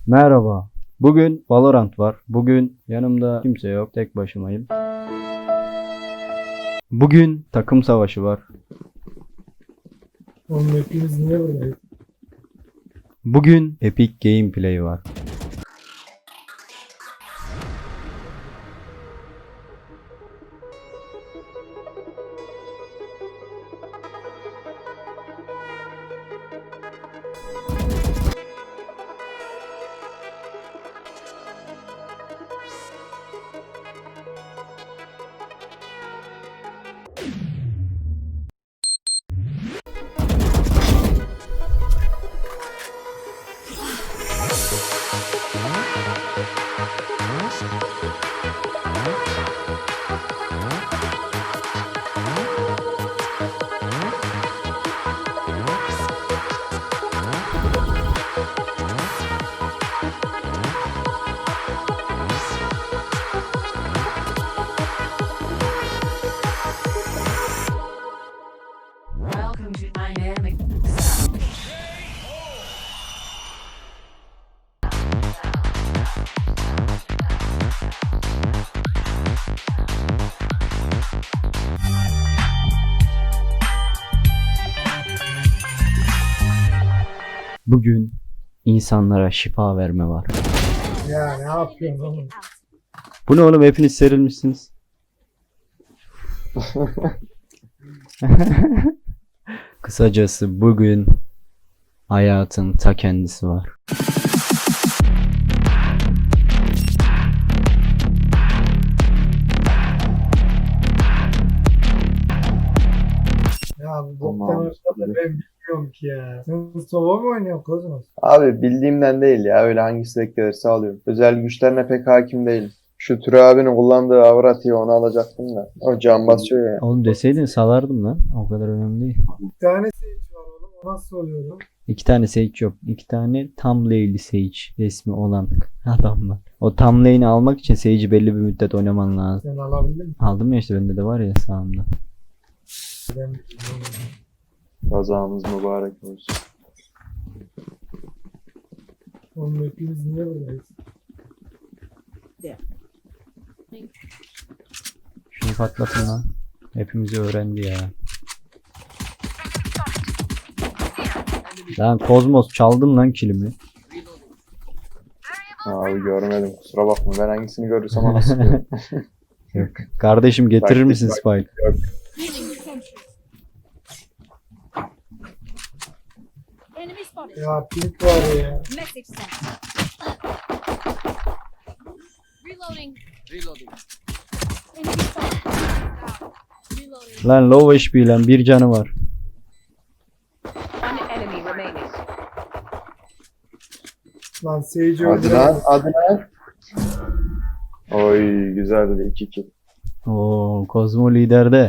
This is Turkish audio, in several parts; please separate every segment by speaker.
Speaker 1: Merhaba. Bugün Valorant var. Bugün yanımda kimse yok. Tek başımayım. Bugün takım savaşı var.
Speaker 2: Oğlum hepimiz niye buradayız?
Speaker 1: Bugün Epic Gameplay var.
Speaker 3: Welcome to Dynamic.
Speaker 1: Bugün insanlara şifa verme var.
Speaker 2: Ya ne yapıyorsun oğlum?
Speaker 1: Bu ne oğlum, hepiniz serilmişsiniz. Kısacası bugün hayatın ta kendisi var.
Speaker 2: Ya bu boktan
Speaker 4: Tamam.
Speaker 2: olsa da ben bilmiyorum ki ya. Sen sova mı oynuyorsun Kozmos?
Speaker 4: Abi bildiğimden değil ya. Öyle hangisi denk gelirse alıyorum. Özel güçlerine pek hakim değilim. Şu Türe abinin kullandığı Avrati'yi onu alacaktım da. O can basıyor ya.
Speaker 1: Oğlum deseydin salardım lan. O kadar önemli değil.
Speaker 2: Bir tane Sage var oğlum. O nasıl oluyor oğlum?
Speaker 1: 2 tane Sage yok. 2 tane tam lane'li Sage resmi olan adamlar. O tam lane'i almak için Sage'i belli bir müddet oynaman lazım.
Speaker 2: Sen alabildin mi?
Speaker 1: Aldım ya işte, bende de var ya sağımda.
Speaker 2: Ben bilmiyorum.
Speaker 4: Kazamız mübarek olsun.
Speaker 2: Oğlum hepimiz niye buradayız?
Speaker 1: Şunu patlatın lan. Hepimizi öğrendi ya. Lan Kozmos, çaldın lan kilimi.
Speaker 4: Abi görmedim, kusura bakma. Ben hangisini görürsem ona sıkıyorum.
Speaker 1: Yok. Kardeşim getirir
Speaker 4: Taktik
Speaker 1: misin
Speaker 4: bak.
Speaker 1: Spike?
Speaker 4: Yok.
Speaker 3: Enemy spotted.
Speaker 2: Ya pink var ya.
Speaker 3: Message sent. Reloading. Enemy spotted. Reloading.
Speaker 1: Lan low HP lan, bir canı var.
Speaker 3: One enemy remaining.
Speaker 2: Lan Sage'i
Speaker 4: Hadi
Speaker 2: öldürelim.
Speaker 4: lan, hadi lan. Oy güzeldi 2-2.
Speaker 1: Oo, Kozmo liderde.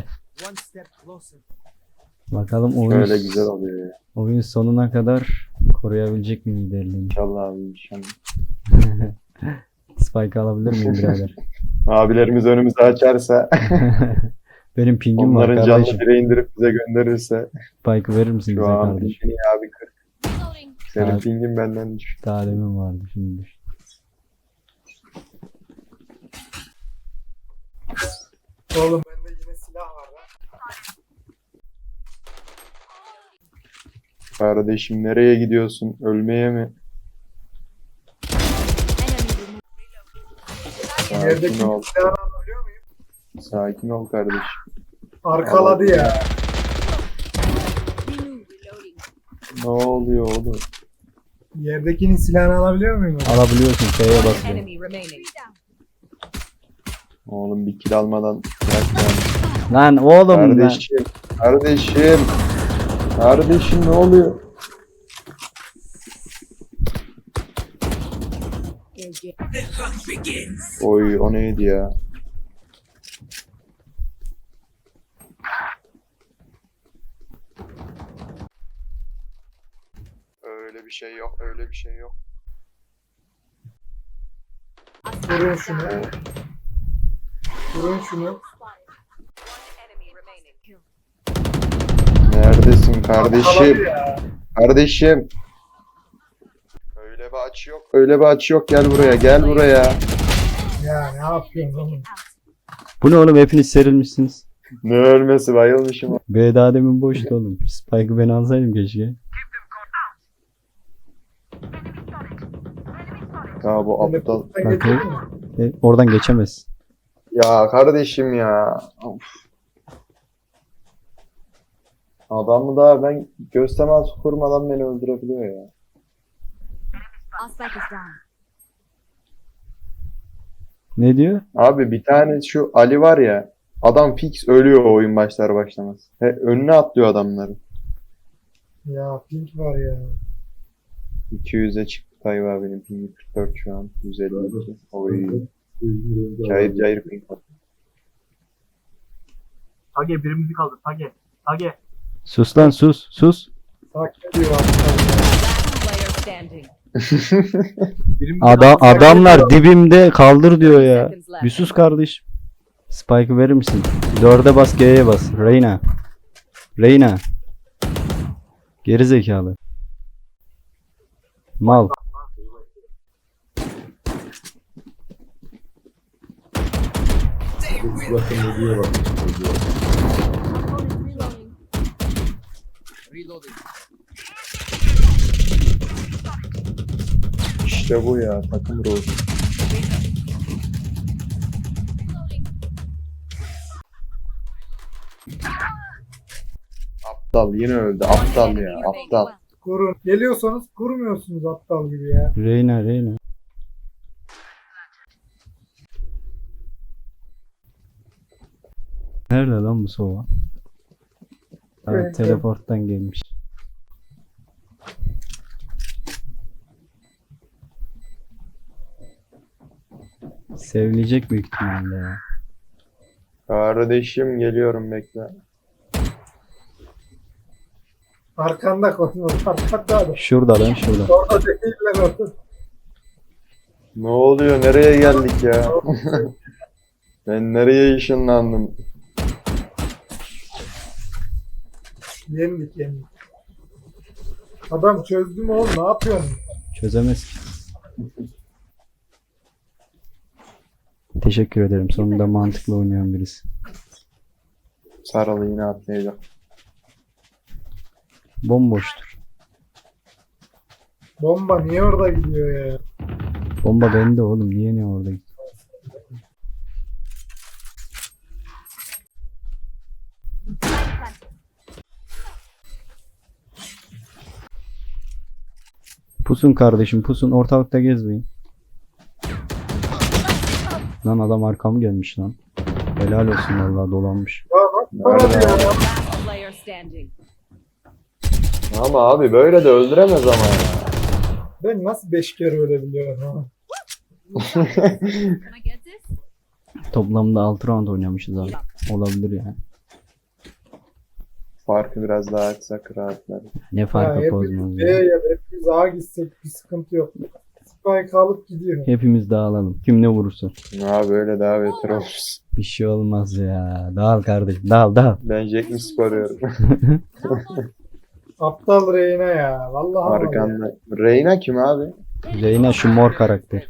Speaker 1: Bakalım oyun,
Speaker 4: Öyle güzel oluyor ya.
Speaker 1: oyun sonuna kadar koruyabilecek mi liderliğini?
Speaker 4: İnşallah abi inşallah.
Speaker 1: Spike alabilir miyim birader?
Speaker 4: Abilerimiz önümüzü açarsa,
Speaker 1: Benim pingim var
Speaker 4: onların
Speaker 1: kardeşim.
Speaker 4: canlı direği indirip bize gönderirse.
Speaker 1: Spike'ı verir misin
Speaker 4: Şu
Speaker 1: bize
Speaker 4: an
Speaker 1: kardeşim?
Speaker 4: pingin abi 40.
Speaker 3: Reloading.
Speaker 4: Senin
Speaker 1: Evet.
Speaker 4: pingin benden düşük.
Speaker 1: Daha demin vardı, şimdi düştü.
Speaker 2: Oğlum bende yine silah var lan.
Speaker 4: Kardeşim nereye gidiyorsun? Ölmeye mi?
Speaker 3: Enemy removed.
Speaker 4: Sakin
Speaker 2: Yerdeki
Speaker 4: ol.
Speaker 2: silahını alabiliyor muyum?
Speaker 4: Sakin ol kardeşim.
Speaker 2: Arkaladı ya.
Speaker 3: Reloading.
Speaker 4: Ne oluyor oğlum?
Speaker 2: Yerdekinin silahını alabiliyor muyum?
Speaker 1: Alabiliyorsun, F'ye basıyor.
Speaker 3: Enemy remaining.
Speaker 4: Oğlum bir kill almadan bırak
Speaker 1: Lan oğlum lan.
Speaker 4: Kardeşim. Kardeşim. Kardeşim ne oluyor? Oy o neydi ya? Öyle bir şey yok, öyle bir şey yok.
Speaker 2: Vurun şunu. Vurun şunu.
Speaker 4: Neredesin kardeşim?
Speaker 2: Arkaladı ya.
Speaker 4: Kardeşim. Öyle bir açı yok. Öyle bir açı yok. Gel buraya. Gel buraya.
Speaker 2: Ya ne yapıyorsun oğlum?
Speaker 1: Bu ne oğlum, hepiniz serilmişsiniz.
Speaker 4: Ne ölmesi, bayılmışım.
Speaker 1: B daha demin boştu oğlum. Spike'ı ben alsaydım keşke.
Speaker 4: Ya bu aptal.
Speaker 2: Teleporttan
Speaker 1: Bakayım.
Speaker 2: geçelim mi?
Speaker 1: Oradan geçemez.
Speaker 4: Ya kardeşim ya. Of. Adamı daha ben göz teması kurmadan beni öldürebiliyor ya.
Speaker 3: Our spike is down.
Speaker 1: Ne diyor?
Speaker 4: Abi bir tane şu Ali var ya. Adam fix ölüyor oyun başlar başlamaz. Önüne atlıyor adamları.
Speaker 2: Ya pink var ya.
Speaker 4: 200'e çıktı Tayyip abinin pingi 44 şu an. 152. Oy. Cayır cayır ping var.
Speaker 5: Tage birimizi kaldır. Tage.
Speaker 1: Sus lan, sus sus.
Speaker 2: Takip ediyor aslında.
Speaker 3: Last player standing.
Speaker 5: Birimizi
Speaker 1: Adamlar dibimde, kaldır diyor ya.
Speaker 3: Seconds left.
Speaker 1: Bir sus kardeş. Spike'ı verir misin? 4'e bas, G'ye bas. Reyna. Geri zekalı. Mal.
Speaker 4: İşte bu ya takım ruhu. Aptal yine öldü. Aptal ya aptal.
Speaker 2: Kurun. Geliyorsanız kurmuyorsunuz aptal gibi ya.
Speaker 1: Reyna. Nerede lan bu sova?
Speaker 2: Evet,
Speaker 1: Teleporttan gelmiş. Sevilecek büyük ihtimalle ya.
Speaker 4: Kardeşim geliyorum bekle.
Speaker 2: Arkanda koyun. Arkanda adam.
Speaker 1: Şurada lan, şurada.
Speaker 2: Orada değiller orada.
Speaker 4: Ne oluyor? Nereye geldik ya? Ben nereye ışınlandım?
Speaker 2: Yendik. Adam çözdü mü oğlum? Ne yapıyorsun?
Speaker 1: Çözemez ki. Teşekkür ederim. Sonunda mantıklı oynayan birisi.
Speaker 4: Saralı yine atlayacak.
Speaker 1: Bomboştur.
Speaker 2: Bomba niye orada gidiyor ya?
Speaker 1: Bomba bende oğlum. Niye ne orada? Pusun kardeşim, pusun. Ortalıkta gezmeyin. Lan adam arkamı gelmiş lan. Helal olsun vallahi, dolanmış.
Speaker 2: Ya bak bana
Speaker 4: Nerede
Speaker 2: diyor ya.
Speaker 3: Last player standing.
Speaker 4: Ama abi böyle de öldüremez ama ya.
Speaker 2: Ben nasıl 5 kere ölebiliyorum ha?
Speaker 3: Can I get this?
Speaker 1: Toplamda 6 round oynamışız abi. Olabilir yani.
Speaker 4: Farkı biraz daha açsak rahatlar.
Speaker 1: Ne
Speaker 2: Ya
Speaker 1: farkı
Speaker 2: hepimiz
Speaker 1: bozmaz
Speaker 2: B
Speaker 1: ya.
Speaker 2: ya da hepimiz A gitsek bir sıkıntı yok. Spike alıp gidiyor.
Speaker 1: Hepimiz dağılalım. Kim ne vurursa.
Speaker 4: Ya böyle daha beter oluruz.
Speaker 1: Bir şey olmaz ya. Dağıl kardeşim. Dağıl.
Speaker 4: Ben Jack mi sporuyorum?
Speaker 2: Aptal Reyna ya. Vallahi var ya.
Speaker 4: Arkanda. Reyna kim abi?
Speaker 1: Reyna şu mor karakter.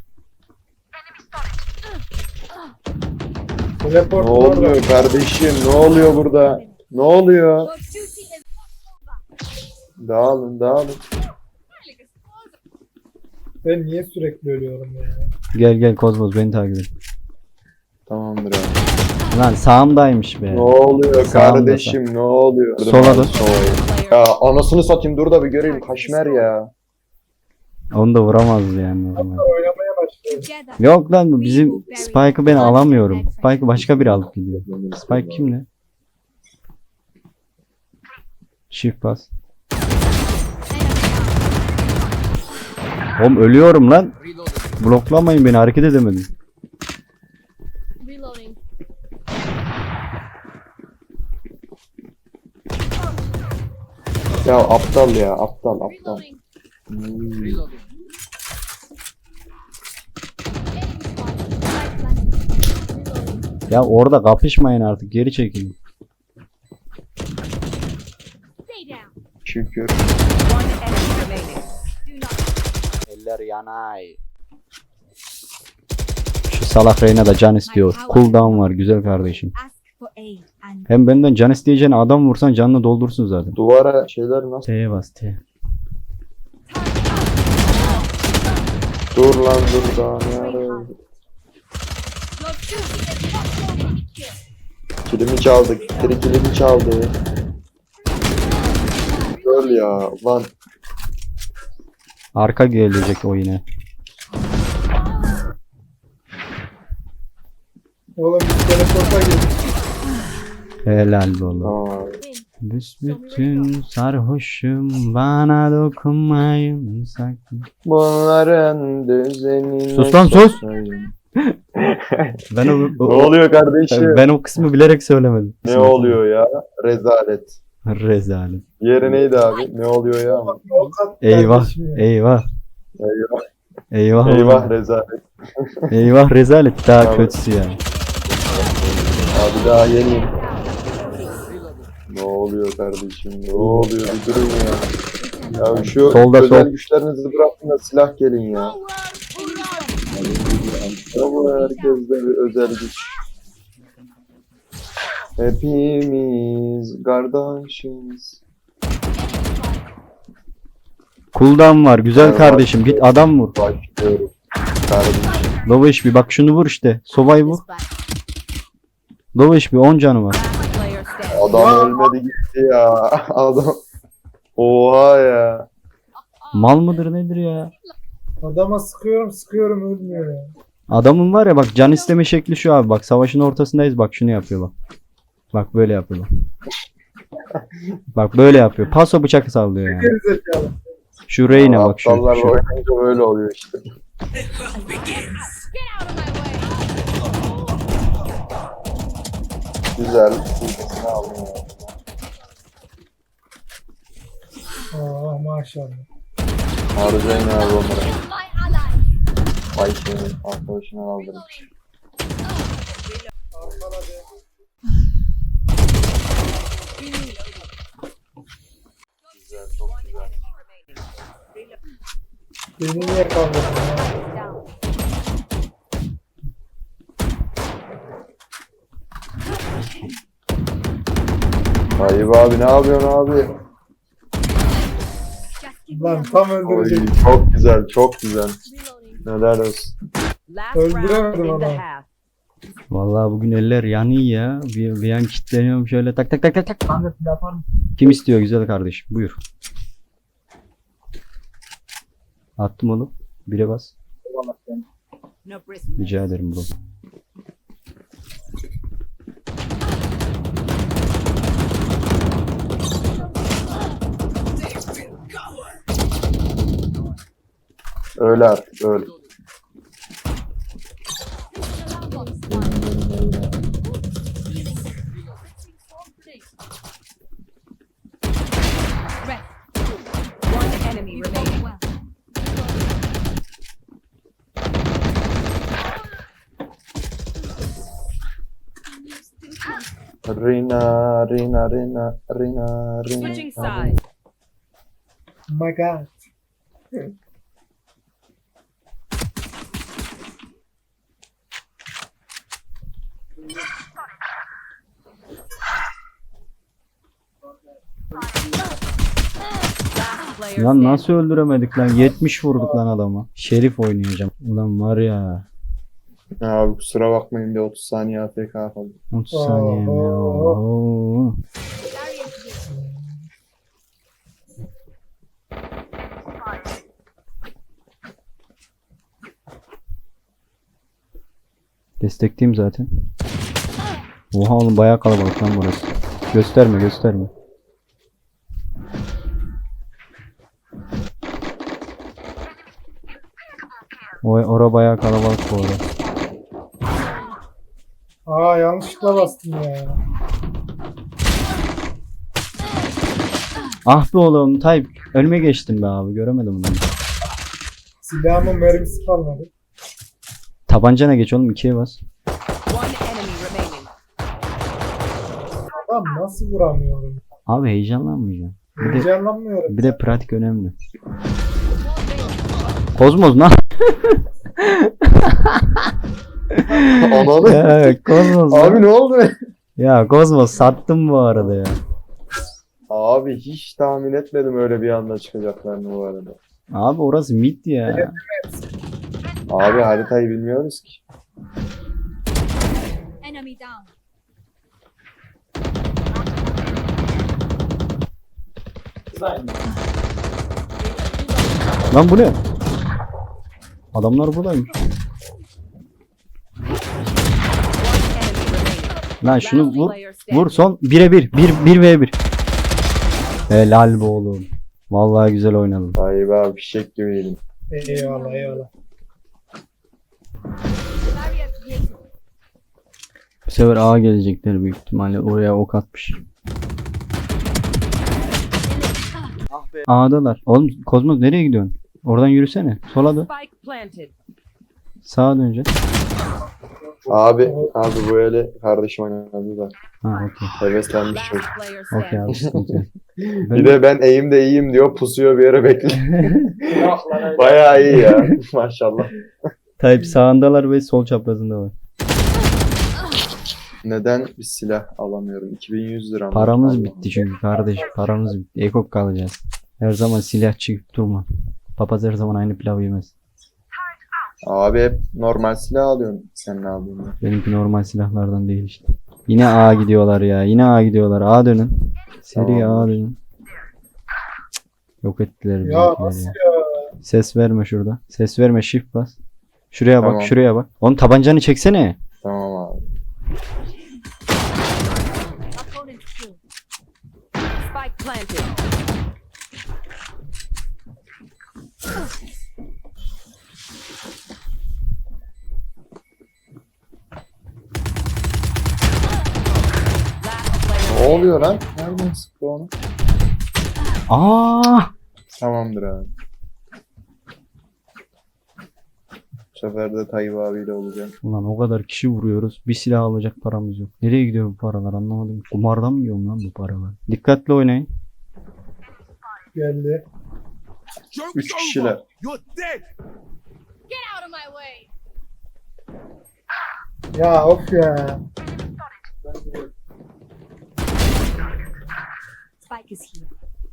Speaker 2: Teleport
Speaker 4: Ne
Speaker 2: orada.
Speaker 4: oluyor kardeşim? Ne oluyor burada? Ne oluyor?
Speaker 3: Your duty is
Speaker 4: Dağılın.
Speaker 3: really explosive.
Speaker 2: Ben niye sürekli ölüyorum ya?
Speaker 1: Gel Kozmos, beni takip et.
Speaker 4: Tamamdır abi.
Speaker 1: Lan sağımdaymış be.
Speaker 4: Ne oluyor
Speaker 1: Sağımda
Speaker 4: kardeşim? Ne oluyor?
Speaker 1: Sola dön.
Speaker 4: Sova'yı.
Speaker 3: Player
Speaker 4: Ya anasını satayım dur da bir göreyim. Kaşmer ya.
Speaker 1: Onu da vuramazdı yani normal.
Speaker 2: Oynamaya başladım.
Speaker 3: together.
Speaker 1: Yok lan, bu bizim Spike'ı ben alamıyorum. Spike'ı başka biri alıp gidiyor. Spike kimle? Shift bas. Oğlum ölüyorum lan. Bloklamayın beni, hareket edemedim.
Speaker 3: Reloading.
Speaker 4: Ya aptal ya. Aptal.
Speaker 3: Reloading.
Speaker 4: Hmm.
Speaker 1: Ya orada kapışmayın artık, geri çekilin.
Speaker 3: Stay down.
Speaker 4: Şükür.
Speaker 3: One enemy remaining. Do not
Speaker 1: eller yanay. Şu salak Reyna da can istiyor. Cooldown var güzel kardeşim.
Speaker 3: Ask for aid and
Speaker 1: Hem benden can isteyeceğine adam vursan canını doldursun zaten.
Speaker 4: Duvara şeyler nasıl?
Speaker 1: T'ye bas T.
Speaker 4: Dur lan dur daha ne ara.
Speaker 3: your duty is not over.
Speaker 4: Kilimi çaldı. Gitleri kilimi çaldı. Öl ya lan.
Speaker 1: Arka gelecek o yine.
Speaker 2: Oğlum bir teleporta girdik.
Speaker 1: Helal be oğlum.
Speaker 4: Tamam.
Speaker 1: Büsbütün sarhoşum bana dokunmayın sakın.
Speaker 4: Bunların düzenine
Speaker 1: Sus lan, sus!
Speaker 4: sokayım.
Speaker 1: Ben
Speaker 4: Ne oluyor kardeşim?
Speaker 1: Ben o kısmı bilerek söylemedim.
Speaker 4: Ne oluyor ya? Rezalet.
Speaker 1: Rezalet.
Speaker 4: Yeri neydi abi? Ne oluyor ya?
Speaker 2: Avukat
Speaker 1: Eyvah.
Speaker 2: kardeşim ya.
Speaker 1: Eyvah.
Speaker 4: Eyvah.
Speaker 1: Eyvah.
Speaker 4: Eyvah
Speaker 1: oğlum.
Speaker 4: rezalet.
Speaker 1: Eyvah rezalet daha
Speaker 4: Abi.
Speaker 1: kötüsü yani.
Speaker 4: Abi daha yeniyim. Ne oluyor kardeşim? Ne oluyor? Bir durun ya. Ya şu
Speaker 1: Solda,
Speaker 4: özel
Speaker 1: sol.
Speaker 4: güçlerinizi bırakın da silah gelin ya. Ya bu herkeste bir özel güç. Hepimiz kardeşiz.
Speaker 1: Cooldown var güzel
Speaker 4: Evet,
Speaker 1: kardeşim
Speaker 4: bak.
Speaker 1: git adam vur.
Speaker 4: Başlıyorum. Kardeşim.
Speaker 1: Low HP bak şunu vur işte. Sovayı vur. Low HP 10 canı var.
Speaker 3: Player standing.
Speaker 4: Adam ölmedi gitti ya. Adam. Oha ya.
Speaker 1: Mal mıdır nedir ya?
Speaker 2: Adama sıkıyorum ölmüyor ya.
Speaker 1: Adamın var ya bak can isteme şekli şu abi bak savaşın ortasındayız bak şunu yapıyor bak. Bak böyle yapıyor bak. Bak böyle yapıyor. Paso bıçak sallıyor yani.
Speaker 2: Gerizekalı.
Speaker 1: Şu Reyna bak şu.
Speaker 4: Aptallarla
Speaker 1: şu.
Speaker 4: oynayınca böyle oluyor işte.
Speaker 3: Get out of my way.
Speaker 4: Güzel. Ne aldım ya.
Speaker 2: Aa maşallah.
Speaker 4: Harcayın abi onları.
Speaker 3: My ally.
Speaker 4: Vay şeyini arkadaşına aldırmış. Güzel, çok güzel.
Speaker 2: Beni niye kaldırdın ya?
Speaker 4: Ayıp abi ne yapıyorsun abi?
Speaker 3: Just give me
Speaker 2: Lan
Speaker 3: a
Speaker 2: tam
Speaker 4: Oy,
Speaker 2: öldürecek.
Speaker 4: çok güzel, çok güzel.
Speaker 3: reloading.
Speaker 4: Neler olsun.
Speaker 3: Last
Speaker 2: Öldüremedim
Speaker 3: round in the
Speaker 2: adamı.
Speaker 3: half.
Speaker 1: Vallahi bugün eller yanıyor ya. Bir an kilitleniyorum şöyle tak tak tak tak tak.
Speaker 5: Kanka silah yapar mısın?
Speaker 1: Kim istiyor güzel kardeşim? Buyur. Attım oğlum. Bire bas.
Speaker 5: Eyvallah sen.
Speaker 3: No prisoners.
Speaker 1: Rica ederim bro.
Speaker 4: Öyle artık, öyle.
Speaker 3: One enemy remaining.
Speaker 4: Rina, Rina, Rina, Rina, Rina.
Speaker 3: Switching sides.
Speaker 2: Oh my god.
Speaker 3: Last player
Speaker 1: Lan
Speaker 3: standing.
Speaker 1: nasıl öldüremedik lan? 70 vurduk lan adama. Şerif oynayacağım. Ulan var ya.
Speaker 4: Abi kusura bakmayın bir 30 saniye AFK kaldı.
Speaker 1: 30 saniye mi? Oo. Destekliyim zaten. Oha oğlum bayağı kalabalık lan burası. Gösterme gösterme. Ora bayağı kalabalık bu arada.
Speaker 2: Aa yanlışlıkla bastım ya.
Speaker 1: Ah be oğlum Tayyip önüme geçtim be abi göremedim bunu.
Speaker 2: Silahımın mermisi kalmadı.
Speaker 1: Tabancana geç oğlum 2'ye bas.
Speaker 3: One enemy remaining.
Speaker 2: Adam nasıl vuramıyorum?
Speaker 1: Abi heyecanlanmayacaksın.
Speaker 2: Heyecanlanmıyorum.
Speaker 1: Bir de pratik önemli. Kozmos lan.
Speaker 4: Ananı.
Speaker 1: Ya Kozmos lan.
Speaker 4: Abi ne oldu?
Speaker 1: Ya Kozmos sattım bu arada ya.
Speaker 4: Abi hiç tahmin etmedim öyle bir anda çıkacaklarını bu arada.
Speaker 1: Abi orası mid ya.
Speaker 4: Abi haritayı bilmiyoruz ki.
Speaker 6: Enemy down.
Speaker 1: Lan bu ne? Adamlar buradaymış.
Speaker 3: Enemy remaining.
Speaker 1: Lan şunu
Speaker 3: Last
Speaker 1: vur.
Speaker 3: player standing.
Speaker 1: Vur son 1'e 1. 1v1. Helal be oğlum. Vallahi güzel oynadın.
Speaker 4: Tayyip abi fişek gibiydim.
Speaker 2: Eyvallah eyvallah.
Speaker 6: Barrier created.
Speaker 1: Bu sefer A gelecekler büyük ihtimalle. Oraya ok atmış. A'dalar. Oğlum Kozmos nereye gidiyorsun? Oradan yürüsene. Sola dön.
Speaker 3: Spike planted.
Speaker 1: Sağa döneceksin.
Speaker 4: Abi bu öyle kardeşim oynadı da.
Speaker 1: Ha okey.
Speaker 4: Heveslenmiş
Speaker 3: Last
Speaker 4: çocuk.
Speaker 3: player
Speaker 1: Okey
Speaker 3: standing.
Speaker 1: abi sıkıntı yok.
Speaker 4: Bir de ben eğimde iyiyim diyor pusuyor bir yere bekliyor.
Speaker 2: Yok lan öyle.
Speaker 4: Bayağı iyi ya maşallah.
Speaker 1: Tayyip sağındalar ve sol çaprazında var.
Speaker 4: Neden bir silah alamıyorum? 2100 lira mı?
Speaker 1: Paramız
Speaker 4: Allah'ım.
Speaker 1: bitti çünkü kardeşim. Paramız bitti. Ekop kalacağız. Her zaman silah çıkıp durma. Papaz her zaman aynı pilav yemez.
Speaker 4: Abi hep normal silah alıyorsun. Sen ne aldın?
Speaker 1: Benimki normal silahlardan değil işte. Yine A gidiyorlar ya. Yine A gidiyorlar. A dönün. Seri
Speaker 4: Tamam.
Speaker 1: A dönün. Yok ettiler
Speaker 2: Ya
Speaker 1: bizimkiler
Speaker 2: nasıl
Speaker 1: ya.
Speaker 2: ya?
Speaker 1: Ses verme şurada. Ses verme shift bas. Şuraya bak
Speaker 4: Tamam.
Speaker 1: şuraya bak. Oğlum tabancanı çeksene.
Speaker 4: Tamam abi.
Speaker 6: Opponent killed.
Speaker 3: Spike planted. Last player
Speaker 4: Ne oluyor lan? Nereden sıktı onu?
Speaker 1: Aa!
Speaker 4: Tamamdır abi. Bu sefer de Tayyip abiyle olacağım.
Speaker 1: Ulan o kadar kişi vuruyoruz. Bir silah alacak paramız yok. Nereye gidiyor bu paralar anlamadım. Kumardan mı yiyorum lan bu paralar? Dikkatli oynayın.
Speaker 2: Geldi.
Speaker 4: 3 kişiler.
Speaker 6: Get out of my way.
Speaker 2: Ya of ya.
Speaker 6: Spike is here.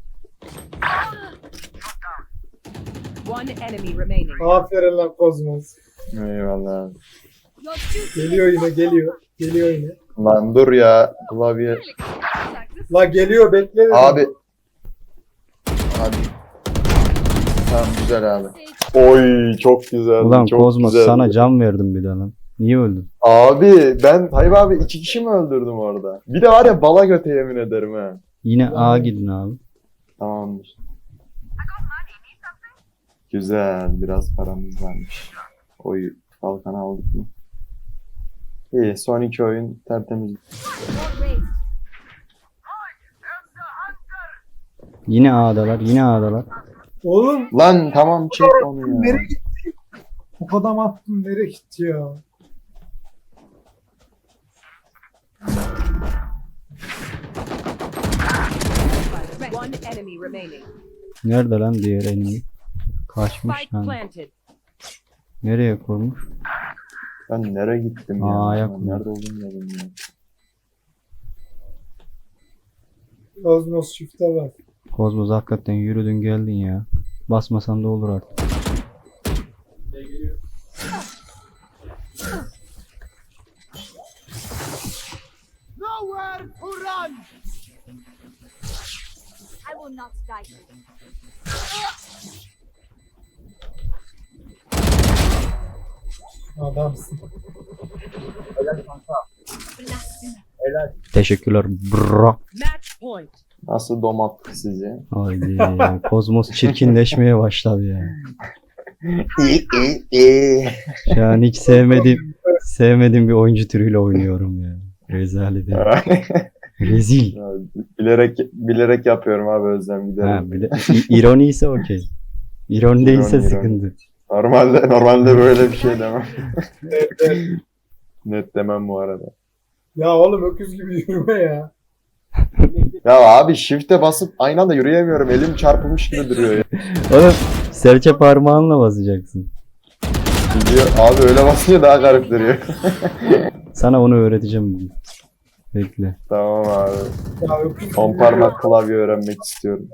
Speaker 3: One enemy remaining.
Speaker 2: Aferin lan Kozmos.
Speaker 4: Eyvallah abi.
Speaker 6: Your duty.
Speaker 2: Geliyor yine geliyor. Geliyor yine.
Speaker 4: Lan dur ya. Klavye.
Speaker 2: La geliyor bekle dedim.
Speaker 4: Abi. Hadi. Tamam güzel abi. Oy çok güzel.
Speaker 1: Ulan
Speaker 4: çok
Speaker 1: Kozmos
Speaker 4: güzeldi.
Speaker 1: sana can verdim bir de lan. Niye öldün?
Speaker 4: Abi ben Tayyip abi 2 kişi mi öldürdüm orada? Bir de var ya bala göte yemin ederim ha.
Speaker 1: Yine A gidin abi.
Speaker 4: Tamamdır. Güzel. Biraz paramız varmış. Oy kalkan aldık mı? İyi. Son 2 oyun tertemiz.
Speaker 6: Ward raised.
Speaker 1: Yine A'dalar. Yine A'dalar.
Speaker 2: Oğlum
Speaker 4: Lan tamam çek onu ya.
Speaker 2: nereye gitti? Bu adam attım nereye gitti ya?
Speaker 3: One enemy remaining.
Speaker 1: Nerede lan diğer enemy? Kaçmış
Speaker 3: Spike
Speaker 1: lan.
Speaker 3: planted.
Speaker 1: Nereye kurmuş?
Speaker 4: Ben nereye gittim ya?
Speaker 1: Aa,
Speaker 4: Ben
Speaker 1: yakın.
Speaker 4: nerede olduğumu da bilmiyorum.
Speaker 2: Kozmos shift'e bak.
Speaker 1: Kozmos hakikaten yürüdün geldin ya. Basmasan da olur artık.
Speaker 6: I will not die.
Speaker 2: Adamsın.
Speaker 1: Teşekkürler bro.
Speaker 3: Match point.
Speaker 4: Nasıl domattık sizi?
Speaker 1: Haydi. Kozmos çirkinleşmeye başladı ya. Şu an hiç sevmediğim bir oyuncu türüyle oynuyorum ya. Rezalet ya. Rezil.
Speaker 4: Ya, bilerek yapıyorum abi Özlem
Speaker 1: Ha,
Speaker 4: giderim.
Speaker 1: bir de ironi ise okey. İroni değilse
Speaker 4: İroni.
Speaker 1: sıkıntı.
Speaker 4: Normalde böyle bir şey demem.
Speaker 2: Evet, evet.
Speaker 4: Net demem bu arada.
Speaker 2: Ya oğlum öküz gibi yürüme ya.
Speaker 4: Ya abi shift'e basıp aynı anda yürüyemiyorum. Elim çarpılmış gibi duruyor ya.
Speaker 1: Oğlum Serçe parmağınla basacaksın.
Speaker 4: Gidiyor. Abi öyle basınca daha garip duruyor.
Speaker 1: Sana onu öğreteceğim bugün. Bekle.
Speaker 4: Tamam abi.
Speaker 2: Ya yok.
Speaker 4: 10 parmak klavye öğrenmek istiyorum.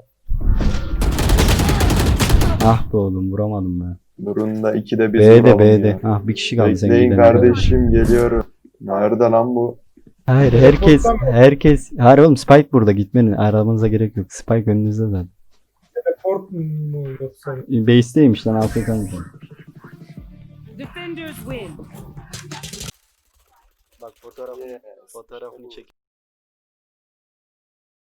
Speaker 1: Ah be oğlum vuramadım ben.
Speaker 4: Burunda 2'de 1
Speaker 1: B'de B'de. Ah bir kişi kaldı sen
Speaker 4: Bekleyin
Speaker 1: gidene kadar.
Speaker 4: kardeşim geliyorum. Nerede lan bu?
Speaker 1: Hayır herkes. Hayır oğlum Spike burada gitmenin aramanıza gerek yok. Spike önünüzde zaten.
Speaker 2: Teleport mu yoksa?
Speaker 1: Base'teymiş lan AFK'mış.
Speaker 3: Defenders win.
Speaker 1: Bak fotoğrafını çek.